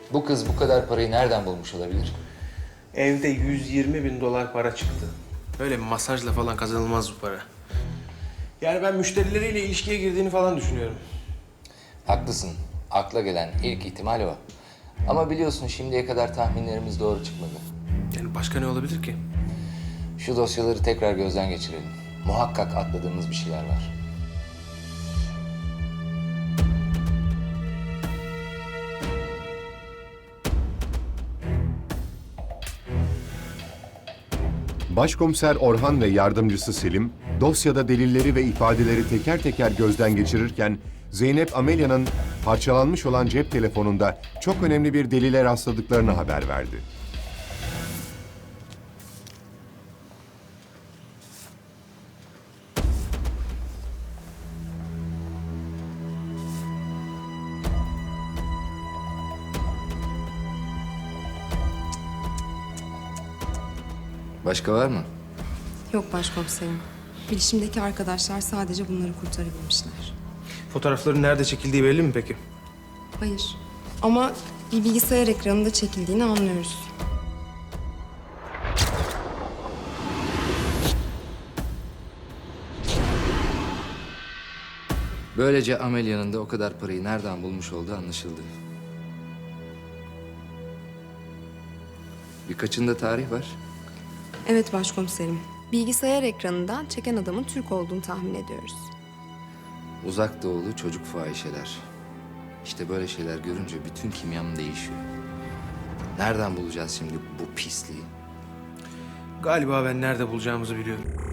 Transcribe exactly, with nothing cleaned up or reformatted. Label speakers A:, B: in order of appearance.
A: Bu kız bu kadar parayı nereden bulmuş olabilir?
B: Evde yüz yirmi bin dolar para çıktı. Öyle masajla falan kazanılmaz bu para. Yani ben müşterileriyle ilişkiye girdiğini falan düşünüyorum.
A: Haklısın. Akla gelen ilk ihtimal o. Ama biliyorsun şimdiye kadar tahminlerimiz doğru çıkmadı.
B: Yani başka ne olabilir ki?
A: Şu dosyaları tekrar gözden geçirelim. Muhakkak atladığımız bir şeyler var.
C: Başkomiser Orhan ve yardımcısı Selim, dosyada delilleri ve ifadeleri teker teker gözden geçirirken, Zeynep Amelia'nın parçalanmış olan cep telefonunda çok önemli bir delile rastladıklarını haber verdi.
A: Başka var mı?
D: Yok başkomiserim. Bilişimdeki arkadaşlar sadece bunları kurtarabilmişler.
B: Fotoğrafların nerede çekildiği belli mi peki?
D: Hayır. Ama bir bilgisayar ekranında çekildiğini anlıyoruz.
A: Böylece Amelia'nın da o kadar parayı nereden bulmuş olduğu anlaşıldı. Birkaçında tarih var.
D: Evet başkomiserim. Bilgisayar ekranından çeken adamın Türk olduğunu tahmin ediyoruz.
A: Uzak doğulu çocuk fahişeler. İşte böyle şeyler görünce bütün kimyam değişiyor. Nereden bulacağız şimdi bu pisliği?
B: Galiba ben nerede bulacağımızı biliyorum.